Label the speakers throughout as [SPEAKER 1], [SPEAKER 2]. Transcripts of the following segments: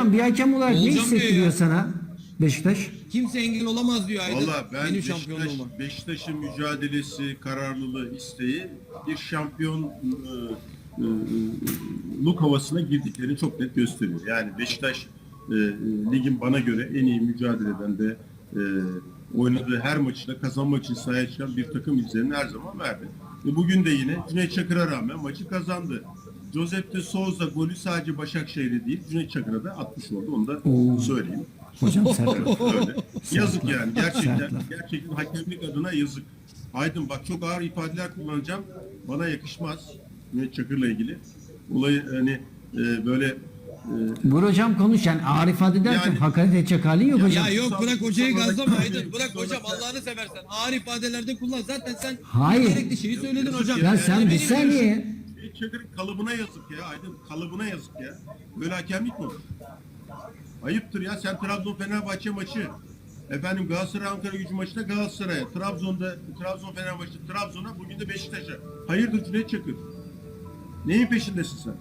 [SPEAKER 1] Hocam bir hakem olarak ne
[SPEAKER 2] Olacağım diyor
[SPEAKER 1] hissettiriyor
[SPEAKER 2] ya.
[SPEAKER 1] sana Beşiktaş?
[SPEAKER 2] Kimse engel olamaz diyor Aydın.
[SPEAKER 3] Valla ben
[SPEAKER 2] Benim şampiyonluğuma.
[SPEAKER 3] Beşiktaş'ın mücadelesi, kararlılığı, isteği bir şampiyonluk havasına girdiklerini çok net gösteriyor. Yani Beşiktaş ligin bana göre en iyi mücadele eden de oynadığı her maçta kazanmak için sahaya çıkan bir takım izlerini her zaman verdi. Bugün de yine Cüneyt Çakır'a rağmen maçı kazandı. Josep de Souza golü sadece Başakşehir'e değil, Cüneyt Çakır'a da atmış oldu. Onu da söyleyeyim.
[SPEAKER 1] Hocam sert.
[SPEAKER 3] Öyle. Yazık yani gerçekten.
[SPEAKER 1] Sertler.
[SPEAKER 3] Gerçekten hakemlik adına yazık. Aydın bak çok ağır ifadeler kullanacağım. Bana yakışmaz. Cüneyt Çakır'la ilgili. Olayı hani böyle
[SPEAKER 1] Buyur hocam konuş. Yani ağır ifade ederken
[SPEAKER 3] Yani-
[SPEAKER 1] hakaret edecek halin yok hocam.
[SPEAKER 2] Ya yok bırak hocayı
[SPEAKER 3] Sonra-
[SPEAKER 2] gazlama Aydın. Bırak
[SPEAKER 3] Sonra-
[SPEAKER 2] hocam Allah'ını seversen. Ağır ifadelerde kullan. Zaten sen
[SPEAKER 1] Hayır.
[SPEAKER 2] gerekli şeyi söyledin hocam.
[SPEAKER 1] Ya sen bir
[SPEAKER 2] Benim
[SPEAKER 1] saniye.
[SPEAKER 3] Cüneyt Çakır'ın kalıbına yazık ya Aydın. Kalıbına yazık ya. Böyle hakemlik mi olur? Ayıptır ya. Sen Trabzon Fenerbahçe maçı, efendim Galatasaray Ankara Gücü maçında Galatasaray'a, Trabzon Fenerbahçe Trabzon'a, bugün de Beşiktaş'a. Hayırdır Cüneyt Çakır? Neyin peşindesin sen?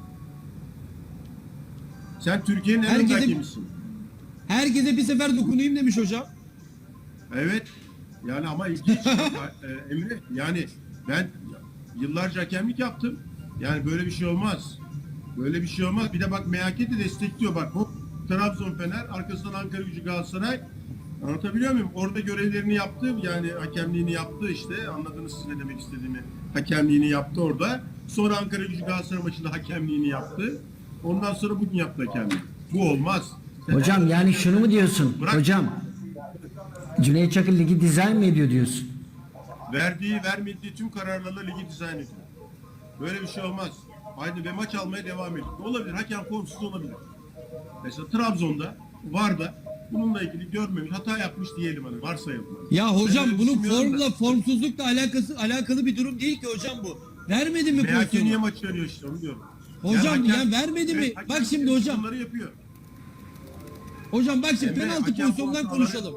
[SPEAKER 3] Sen Türkiye'nin en önde hakemisin.
[SPEAKER 2] Herkese bir sefer dokunayım demiş hocam.
[SPEAKER 3] Evet. Yani ama ilginç. Emre, yani ben yıllarca hakemlik yaptım. Yani böyle bir şey olmaz. Böyle bir şey olmaz. Bir de bak MHK de destekliyor bak. Hop Trabzon Fener, arkasından Ankara Gücü Galatasaray. Anlatabiliyor muyum? Orada görevlerini yaptı. Yani hakemliğini yaptı işte. Anladınız siz ne demek istediğimi. Hakemliğini yaptı orada. Sonra Ankara Gücü Galatasaray maçında hakemliğini yaptı. Ondan sonra bugün yaptı hakemliği. Bu olmaz.
[SPEAKER 1] Hocam yani şunu mu diyorsun?
[SPEAKER 3] Bırak.
[SPEAKER 1] Hocam Cüneyt Çakır ligi dizayn mı ediyor diyorsun?
[SPEAKER 3] Vermediği tüm kararlarla ligi dizayn ediyor. Böyle bir şey olmaz. Haydi ve maç almaya devam ediyor. Olabilir. Hakem formsuz olabilir. Mesela Trabzon'da VAR'da bununla ilgili görmemiş, hata yapmış diyelim hani varsayalım.
[SPEAKER 2] Ya hocam
[SPEAKER 3] Ben öyle
[SPEAKER 2] bunun
[SPEAKER 3] düşünmüyorum da.
[SPEAKER 2] formsuzlukla alakalı bir durum değil ki hocam bu. Vermedi mi
[SPEAKER 3] MHK niye
[SPEAKER 2] pozisyonu?
[SPEAKER 3] maç veriyor işte onu diyorum.
[SPEAKER 2] Hocam ya vermedi mi?
[SPEAKER 3] hakem
[SPEAKER 2] Bak şimdi hocam.
[SPEAKER 3] bunları yapıyor.
[SPEAKER 2] Hocam bak şimdi
[SPEAKER 3] Emre,
[SPEAKER 2] penaltı
[SPEAKER 3] hakem
[SPEAKER 2] pozisyonundan
[SPEAKER 3] pozisyonları-
[SPEAKER 2] konuşalım.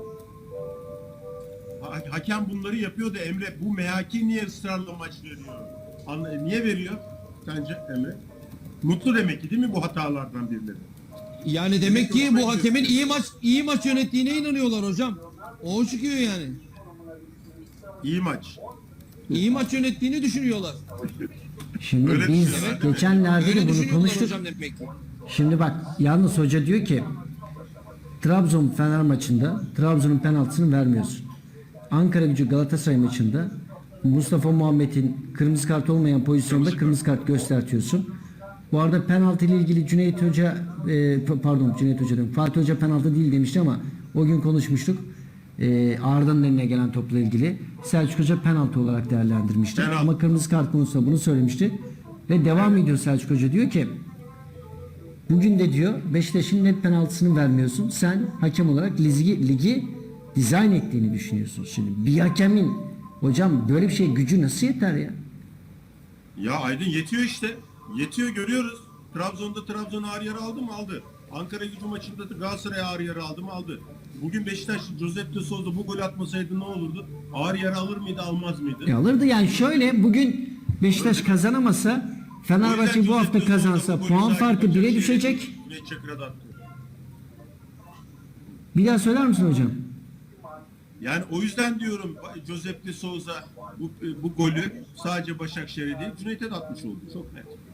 [SPEAKER 3] Hakem bunları yapıyor da Emre bu MHK niye ısrarla maç veriyor? Niye veriyor sence Emre? Mutlu demek ki değil mi bu hatalardan birileri?
[SPEAKER 2] Yani demek ki bu hakemin iyi maç yönettiğine inanıyorlar hocam. O çıkıyor yani.
[SPEAKER 3] İyi maç.
[SPEAKER 2] İyi maç yönettiğini düşünüyorlar.
[SPEAKER 1] Şimdi
[SPEAKER 3] Öyle
[SPEAKER 1] biz
[SPEAKER 3] düşünüyorlar, değil mi?
[SPEAKER 1] geçenlerde
[SPEAKER 2] Öyle
[SPEAKER 1] de bunu
[SPEAKER 2] düşünüyorlar
[SPEAKER 1] konuştuk.
[SPEAKER 2] hocam demek ki.
[SPEAKER 1] Şimdi bak yalnız hoca diyor ki Trabzon Fener maçında Trabzon'un penaltısını vermiyorsun. Ankara Gücü Galatasaray maçında Mustafa Muhammed'in kırmızı kart olmayan pozisyonda kırmızı kart göstertiyorsun. Bu arada penaltı ile ilgili Cüneyt Hoca Cüneyt Hoca diyorum. Fatih Hoca penaltı değil demişti ama o gün konuşmuştuk. Arda'nın eline gelen topla ilgili Selçuk Hoca penaltı olarak değerlendirmişti.
[SPEAKER 3] Penaltı.
[SPEAKER 1] Ama kırmızı kart konusunda bunu söylemişti. Ve devam ediyor Selçuk Hoca diyor ki bugün de diyor Beşiktaş'ın net penaltısını vermiyorsun. Sen hakem olarak ligi dizayn ettiğini düşünüyorsun. Şimdi bir hakemin hocam böyle bir şey gücü nasıl yeter ya?
[SPEAKER 3] Ya Aydın yetiyor işte. Yetiyor görüyoruz. Trabzon ağır yarı aldı mı? Aldı. Ankara Gücü maçında da Galatasaray ağır yarı aldı mı? Aldı. Bugün Beşiktaş Josep de Souza bu golü atmasaydı ne olurdu? Ağır yarı alır mıydı, almaz mıydı?
[SPEAKER 1] Alırdı yani şöyle bugün Beşiktaş kazanamasa Fenerbahçe bu hafta kazansa puan farkı 1'e düşecek.
[SPEAKER 3] Cüneyt Çakır'a da attı.
[SPEAKER 1] Bir daha söyler misin hocam?
[SPEAKER 3] Yani o yüzden diyorum Josep de Souza bu golü sadece Başakşehir'e değil Cüneyt'e de atmış oldu. Çok net.